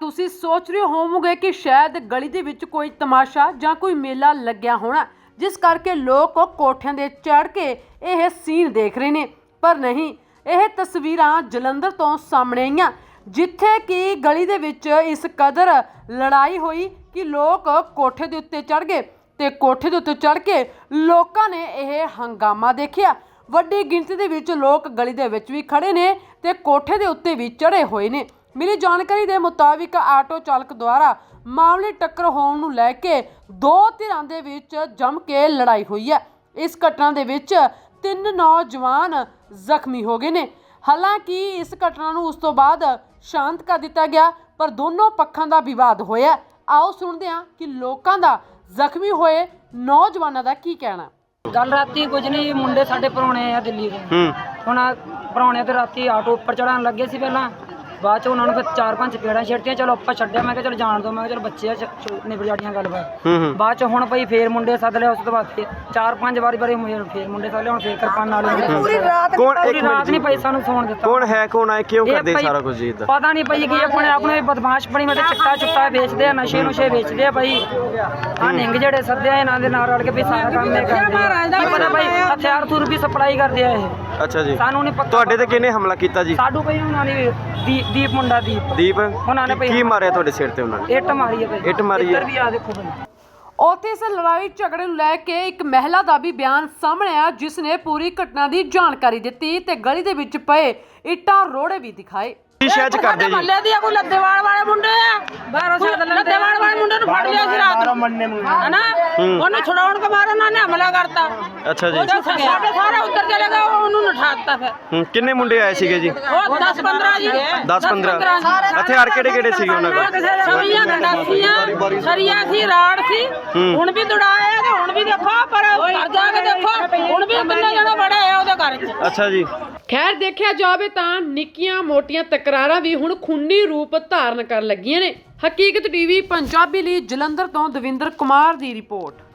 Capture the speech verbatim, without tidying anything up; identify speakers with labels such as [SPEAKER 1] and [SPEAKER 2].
[SPEAKER 1] ਤੁਸੀਂ सोच रहे होवोगे कि शायद गली दे विच कोई तमाशा जां कोई मेला लग्या होना, जिस करके लोग कोठियां दे चढ़ के यह सीन देख रहे ने। पर नहीं, यह तस्वीरां जलंधर तो सामने आईयां, जिथे कि गली दे विच इस कदर लड़ाई हुई कि लोग कोठे दे उत्ते चढ़ गए ते कोठे दे उत्ते चढ़ के लोकां ने यह हंगामा देखिया। वड्डी गिणती दे विच लोग गली दे विच भी खड़े ने ते कोठे दे उत्ते भी चढ़े होए ने। मिली जानकारी के मुताबिक आटो चालक द्वारा मामले टक्कर होने नूं लैके दो धिरां दे विच जम के लड़ाई हुई है। इस घटना दे विच तीन नौजवान जख्मी हो गए ने। हालांकि इस घटना नूं उस तो बाद शांत कर दिता गया, पर दोनों पक्षां दा विवाद होया। आओ सुणदे हां कि लोकां दा जख्मी होए नौजवानां दा की कहना।
[SPEAKER 2] गल राती कुछ नहीं, मुंडे साडे पराने आ दिल्ली दे। हुण पराने ते राती आटो उपर चढ़ाण लगे सी, पहलां बाद च उन्होंने फिर चार पांच चपेड़ा छेड़तियां। चलो ਆਪਾਂ ਛੱਡਿਆ, मैं चलो जान दो, मैं चलो बच्चे निबड़ जाड़ियां गलबात। बाद च हुण भाई फिर मुंडे सद लिया। उस तो बाद चार पांच बारी बारी फिर मुंडे सद लिया। हुण फिर किरपान नाल पूरी रात पूरी रात नहीं पई सानू सोण दित्ता।
[SPEAKER 3] कौन है कौन है क्यों करदे सारा कुछ जी?
[SPEAKER 2] पता नहीं पई कि अपने आप ਨੂੰ ਬਦਮਾਸ਼ ਬਣੀ ਮਤੇ ਚਿੱਟਾ ਚੁੱਟਾ ਵੇਚਦੇ ਆ, ਨਸ਼ੇ ਨੁਸ਼ੇ ਵੇਚਦੇ ਆ ਭਾਈ। ਆ ਨਿੰਗ ਜਿਹੜੇ ਸੱਦੇ ਆ ਇਹਨਾਂ ਦੇ ਨਾਲ ਰਲ ਕੇ ਵੀ ਸਾਰਾ ਕੰਮ ਇਹ ਕਰਦੇ ਆ। ਪਤਾ ਭਾਈ ਹਥਿਆਰ ਥੁਰ ਵੀ ਸਪਲਾਈ ਕਰਦੇ ਆ ਇਹ।
[SPEAKER 3] ਅੱਛਾ ਜੀ,
[SPEAKER 2] ਸਾਨੂੰ ਨਹੀਂ ਪਤਾ
[SPEAKER 3] ਤੁਹਾਡੇ ਤੇ ਕਿਹਨੇ ਹਮਲਾ ਕੀਤਾ ਜੀ?
[SPEAKER 2] ਸਾਡੂ ਭਾਈ ਉਹਨਾਂ ਨੇ ਦੀਪ ਮੁੰਡਾ ਦੀਪ
[SPEAKER 3] ਦੀਪ
[SPEAKER 2] ਉਹਨਾਂ ਨੇ
[SPEAKER 3] ਕੀ ਮਾਰਿਆ ਤੁਹਾਡੇ ਸਿਰ ਤੇ? ਉਹਨਾਂ ਨੇ
[SPEAKER 2] ਇੱਟ ਮਾਰੀ ਹੈ ਭਾਈ।
[SPEAKER 3] ਇੱਟ ਮਾਰੀ ਹੈ।
[SPEAKER 2] ਇੱਧਰ ਵੀ ਆ ਦੇਖੋ ਭਾਈ।
[SPEAKER 1] ਉੱਥੇ ਇਸ ਲੜਾਈ ਝਗੜੇ ਨੂੰ ਲੈ ਕੇ ਇੱਕ ਮਹਿਲਾ ਦਾ ਵੀ ਬਿਆਨ ਸਾਹਮਣੇ ਆਇਆ, ਜਿਸ ਨੇ ਪੂਰੀ ਘਟਨਾ ਦੀ ਜਾਣਕਾਰੀ ਦਿੱਤੀ ਤੇ ਗਲੀ ਦੇ ਵਿੱਚ ਪਏ ਇੱਟਾਂ ਰੋੜੇ ਵੀ ਦਿਖਾਏ।
[SPEAKER 3] ਕੀ ਸ਼ਹਿਜ ਕਰਦੇ ਜੀ?
[SPEAKER 4] ਮੱਲੇ ਦੀ ਕੋਈ ਲੱਦੇਵਾਲ ਵਾਲੇ ਮੁੰਡੇ ਆ, ਬਾਹਰੋਂ ਸਾਦ ਲੱਦੇਵਾਲ ਵਾਲੇ ਮੁੰਡੇ ਨੂੰ ਫੜ ਲਿਆ ਸੀ ਰਾਤ ਨੂੰ, ਹਨਾ? ਉਹਨੂੰ ਛੁਡਾਉਣ ਕੇ ਬਾਅਦ ਉਹਨਾਂ ਨੇ ਹਮਲਾ ਕਰਤਾ।
[SPEAKER 3] ਅੱਛਾ ਜੀ,
[SPEAKER 4] ਸਾਡੇ ਸਾਰੇ ਉੱਧਰ ਚਲੇ ਗਏ, ਉਹਨੂੰ ਨਠਾਤਾ ਫਿਰ।
[SPEAKER 3] ਹੂੰ, ਕਿੰਨੇ ਮੁੰਡੇ ਆਏ ਸੀਗੇ ਜੀ?
[SPEAKER 4] ਉਹ ਦਸ ਪੰਦਰਾਂ ਜੀ।
[SPEAKER 3] ਦਸ ਪੰਦਰਾਂ ਹਥਿਆਰ ਕਿਹੜੇ ਕਿਹੜੇ ਸੀਗੇ ਉਹਨਾਂ ਕੋਲ?
[SPEAKER 4] ਸਰੀਆਂ ਗੰਡਾਸੀਆਂ, ਸਰੀਆ ਸੀ, ਰਾੜ ਸੀ। ਹੁਣ ਵੀ ਦੁੜਾਏ ਤੇ ਹੁਣ ਵੀ ਦੇਖੋ, ਪਰ ਘਰ ਜਾ ਕੇ ਦੇਖੋ ਹੁਣ ਵੀ ਕਿੰਨੇ ਜਣੇ ਬੜੇ ਆ ਉਹਦੇ ਘਰ 'ਚ।
[SPEAKER 3] ਅੱਛਾ ਜੀ।
[SPEAKER 1] ਖੈਰ ਦੇਖਿਆ ਜਾਵੇ ਤਾਂ ਨਿੱਕੀਆਂ ਮੋਟੀਆਂ ਤਕਰਾਰਾਂ ਵੀ ਹੁਣ ਖੂਨੀ ਰੂਪ ਧਾਰਨ ਕਰਨ ਲੱਗੀਆਂ ਨੇ। ਹਕੀਕਤ ਟੀਵੀ ਪੰਜਾਬੀ ਲਈ ਜਲੰਧਰ ਤੋਂ ਦਵਿੰਦਰ ਕੁਮਾਰ ਦੀ ਰਿਪੋਰਟ।